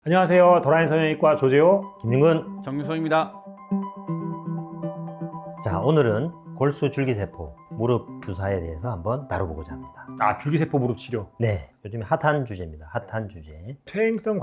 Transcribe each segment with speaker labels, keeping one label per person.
Speaker 1: 안녕하세요. 도라인 성형외과 조재호
Speaker 2: 김윤근.
Speaker 3: 정유성입니다.
Speaker 2: 자, 오늘은 골수 줄기세포 무릎 주사에 대해서 한번 다뤄보고자 합니다.
Speaker 1: 줄기세포 무릎 치료.
Speaker 2: 네, 요즘에 핫한 주제입니다. 핫한 주제.
Speaker 1: 퇴행성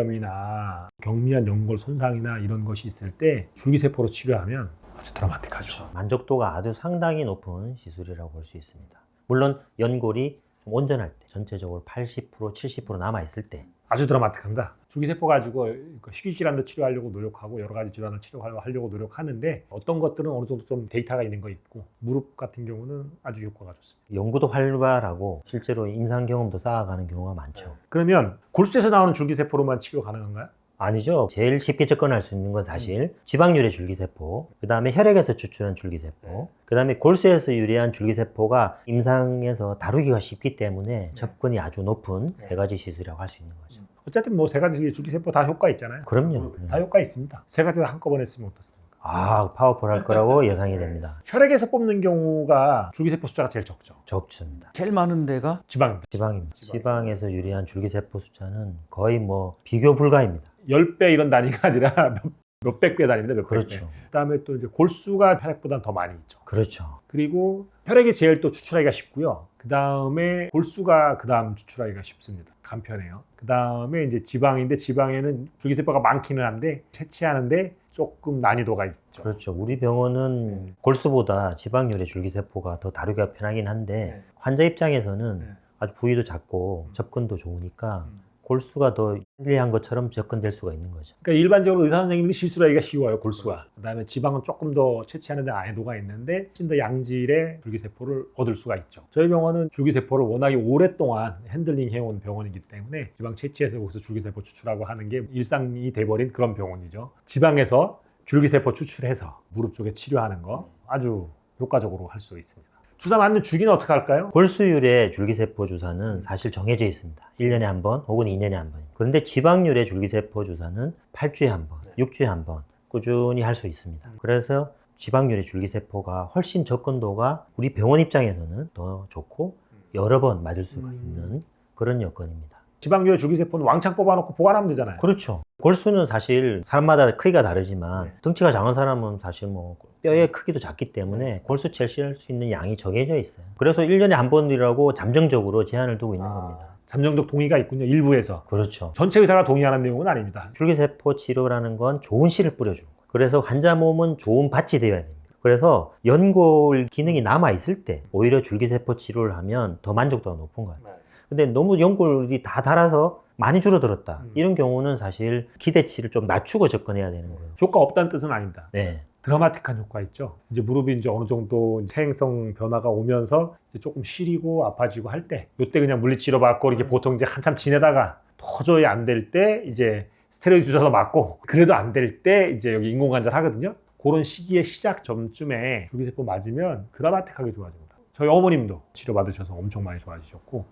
Speaker 1: 관절염이나 경미한 연골 손상이나 이런 것이 있을 때 줄기세포로 치료하면 아주 드라마틱하죠.
Speaker 2: 만족도가 아주 상당히 높은 시술이라고 볼 수 있습니다. 물론 연골이 좀 온전할 때, 전체적으로 80%, 70% 남아있을 때
Speaker 1: 아주 드라마틱합니다. 줄기세포 가지고 희귀질환도 치료하려고 노력하고 여러 가지 질환을 치료하려고 노력하는데 어떤 것들은 어느 정도 좀 데이터가 있는 거 있고 무릎 같은 경우는 아주 효과가 좋습니다.
Speaker 2: 연구도 활발하고 실제로 임상 경험도 쌓아가는 경우가 많죠.
Speaker 1: 그러면 골수에서 나오는 줄기세포로만 치료 가능한가요?
Speaker 2: 아니죠. 제일 쉽게 접근할 수 있는 건 사실 지방유래 줄기세포, 그 다음에 혈액에서 추출한 줄기세포, 그 다음에 골수에서 유래한 줄기세포가 임상에서 다루기가 쉽기 때문에 접근이 아주 높은 세 가지 시술이라고 할 수 있는 거죠.
Speaker 1: 어쨌든 뭐 세 가지 줄기세포 다 효과 있잖아요.
Speaker 2: 그럼요.
Speaker 1: 다 효과 있습니다. 세 가지 다 한꺼번에 쓰면 어떻습니까?
Speaker 2: 파워풀할 거라고 예상이 됩니다.
Speaker 1: 혈액에서 뽑는 경우가 줄기세포 숫자가 제일 적죠.
Speaker 2: 적습니다.
Speaker 3: 제일 많은 데가
Speaker 1: 지방입니다.
Speaker 2: 지방입니다. 지방에서 유래한 줄기세포 숫자는 거의 뭐 비교 불가입니다.
Speaker 1: 10배 이런 단위가 아니라 몇백 배 단위입니다. 몇백
Speaker 2: 그렇죠.
Speaker 1: 배. 그다음에 또 이제 골수가 혈액보다는 더 많이 있죠.
Speaker 2: 그렇죠.
Speaker 1: 그리고 혈액이 제일 또 추출하기가 쉽고요. 그다음에 골수가 그다음 추출하기가 쉽습니다. 간편해요. 그다음에 이제 지방인데 지방에는 줄기세포가 많기는 한데 채취하는데 조금 난이도가 있죠.
Speaker 2: 그렇죠. 우리 병원은 골수보다 지방유래 줄기세포가 더 다루기가 편하긴 한데 환자 입장에서는 아주 부위도 작고 접근도 좋으니까 골수가 더 편리한 것처럼 접근될 수가 있는 거죠.
Speaker 1: 그러니까 일반적으로 의사 선생님들이 실수를 하기가 쉬워요. 골수가. 그다음에 지방은 조금 더 채취하는 데 난이도가 있는데 훨씬 더 양질의 줄기세포를 얻을 수가 있죠. 저희 병원은 줄기세포를 워낙에 오랫동안 핸들링 해온 병원이기 때문에 지방 채취해서 거기서 줄기세포 추출하고 하는 게 일상이 돼버린 그런 병원이죠. 지방에서 줄기세포 추출해서 무릎 쪽에 치료하는 거 아주 효과적으로 할 수 있습니다. 주사 맞는 주기는 어떻게 할까요?
Speaker 2: 골수유래 줄기세포 주사는 사실 정해져 있습니다. 1년에 한 번 혹은 2년에 한 번. 그런데 지방유래 줄기세포 주사는 8주에 한 번, 6주에 한 번 꾸준히 할 수 있습니다. 그래서 지방유래 줄기세포가 훨씬 접근도가 우리 병원 입장에서는 더 좋고 여러 번 맞을 수가 있는 그런 여건입니다.
Speaker 1: 지방유래 줄기세포는 왕창 뽑아놓고 보관하면 되잖아요.
Speaker 2: 그렇죠. 골수는 사실 사람마다 크기가 다르지만 등치가 작은 사람은 사실 뭐 뼈의 크기도 작기 때문에 골수 채취할 수 있는 양이 정해져 있어요. 그래서 1년에 한 번이라고 잠정적으로 제한을 두고 있는 겁니다.
Speaker 1: 잠정적 동의가 있군요. 일부에서.
Speaker 2: 그렇죠.
Speaker 1: 전체 의사가 동의하는 내용은 아닙니다.
Speaker 2: 줄기세포 치료라는 건 좋은 씨를 뿌려주는 거예요. 그래서 환자 몸은 좋은 밭이 되어야 됩니다. 그래서 연골 기능이 남아있을 때 오히려 줄기세포 치료를 하면 더 만족도가 높은 거예요. 근데 너무 연골이 다 닳아서 많이 줄어들었다. 이런 경우는 사실 기대치를 좀 낮추고 접근해야 되는 거예요.
Speaker 1: 효과 없다는 뜻은 아닙니다.
Speaker 2: 네.
Speaker 1: 드라마틱한 효과 있죠. 이제 무릎이 이제 어느 정도 퇴행성 변화가 오면서 이제 조금 시리고 아파지고 할 때, 이때 그냥 물리치료 받고 이렇게 보통 이제 한참 지내다가 도저히 안 될 때 이제 스테로이드 주사도 맞고 그래도 안 될 때 이제 여기 인공관절 하거든요. 그런 시기의 시작 점쯤에 줄기세포 맞으면 드라마틱하게 좋아집니다. 저희 어머님도 치료받으셔서 엄청 많이 좋아지셨고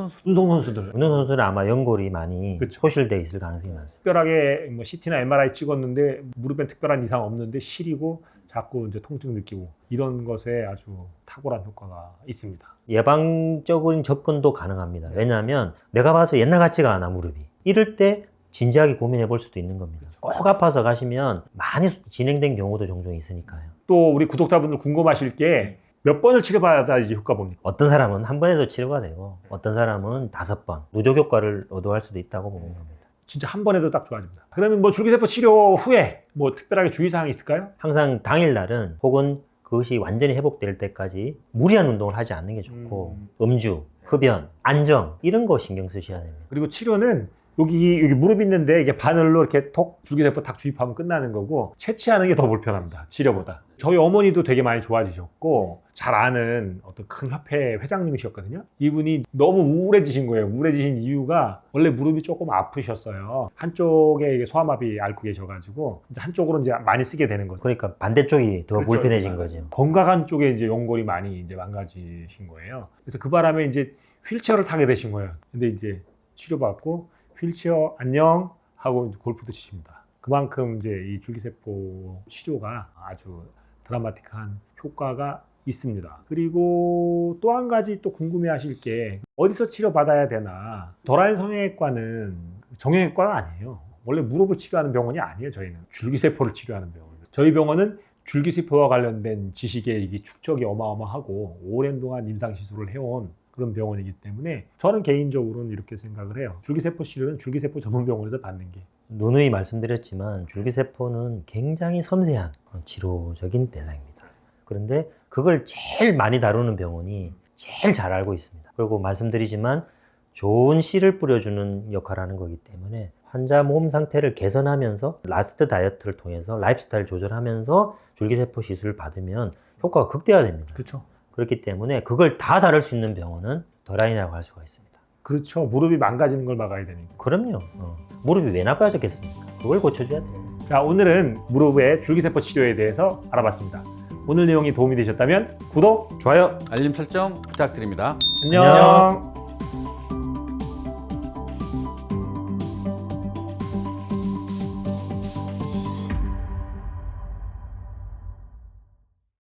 Speaker 1: 운동선수들
Speaker 2: 운동선수는 아마 연골이 많이
Speaker 1: 그쵸.
Speaker 2: 소실되어 있을 가능성이 많습니다.
Speaker 1: 특별하게 뭐 CT나 MRI 찍었는데 무릎엔 특별한 이상 없는데 시리고 자꾸 이제 통증 느끼고 이런 것에 아주 탁월한 효과가 있습니다.
Speaker 2: 예방적인 접근도 가능합니다. 왜냐하면 내가 봐서 옛날 같지가 않아 무릎이. 이럴 때 진지하게 고민해 볼 수도 있는 겁니다. 꼭 아파서 가시면 많이 진행된 경우도 종종 있으니까요.
Speaker 1: 또 우리 구독자분들 궁금하실 게 몇 번을 치료받아야지 효과 봅니까?
Speaker 2: 어떤 사람은 한 번에도 치료가 되고 어떤 사람은 5번 누적 효과를 얻어갈 수도 있다고 보는 겁니다.
Speaker 1: 진짜 한 번에도 딱 좋아집니다. 그러면 뭐 줄기세포 치료 후에 뭐 특별하게 주의사항이 있을까요?
Speaker 2: 항상 당일날은 혹은 그것이 완전히 회복될 때까지 무리한 운동을 하지 않는 게 좋고 음주, 흡연, 안정 이런 거 신경 쓰셔야 됩니다.
Speaker 1: 그리고 치료는 여기 무릎 있는데 이게 바늘로 이렇게 톡 줄기세포 딱 주입하면 끝나는 거고 채취하는 게 더 불편합니다. 치료보다. 저희 어머니도 되게 많이 좋아지셨고 잘 아는 어떤 큰 협회 회장님이셨거든요. 이분이 너무 우울해지신 거예요. 우울해지신 이유가 원래 무릎이 조금 아프셨어요. 한쪽에 이게 소아마비 앓고 계셔가지고 이제 한쪽으로 이제 많이 쓰게 되는 거죠.
Speaker 2: 그러니까 반대쪽이 더
Speaker 1: 그렇죠.
Speaker 2: 불편해진 거죠.
Speaker 1: 건강한 쪽에 이제 연골이 많이 이제 망가지신 거예요. 그래서 그 바람에 이제 휠체어를 타게 되신 거예요. 근데 이제 치료받고 휠체어 안녕 하고 골프도 치십니다. 그만큼 이제 이 줄기세포 치료가 아주 드라마틱한 효과가 있습니다. 그리고 또 한 가지 또 궁금해하실 게 어디서 치료받아야 되나? 도라인 성형외과는 정형외과가 아니에요. 원래 무릎을 치료하는 병원이 아니에요. 저희는 줄기세포를 치료하는 병원이에요. 저희 병원은 줄기세포와 관련된 지식의 이게 축적이 어마어마하고 오랜 동안 임상시술을 해온 그런 병원이기 때문에 저는 개인적으로는 이렇게 생각을 해요. 줄기세포 치료는 줄기세포 전문 병원에서 받는 게.
Speaker 2: 누누이 말씀드렸지만 줄기세포는 굉장히 섬세한 치료적인 대상입니다. 그런데 그걸 제일 많이 다루는 병원이 제일 잘 알고 있습니다. 그리고 말씀드리지만 좋은 씨를 뿌려주는 역할을 하는 거기 때문에 환자 몸 상태를 개선하면서 라스트 다이어트를 통해서 라이프스타일 조절하면서 줄기세포 시술을 받으면 효과가 극대화됩니다.
Speaker 1: 그렇죠.
Speaker 2: 그렇기 때문에 그걸 다 다룰 수 있는 병원은 더라인이라고 할 수가 있습니다.
Speaker 1: 그렇죠. 무릎이 망가지는 걸 막아야 되니까.
Speaker 2: 그럼요. 무릎이 왜 나빠졌겠습니까? 그걸 고쳐줘야 돼요.
Speaker 1: 자, 오늘은 무릎의 줄기세포 치료에 대해서 알아봤습니다. 오늘 내용이 도움이 되셨다면 구독,
Speaker 3: 좋아요, 알림 설정 부탁드립니다.
Speaker 1: 안녕.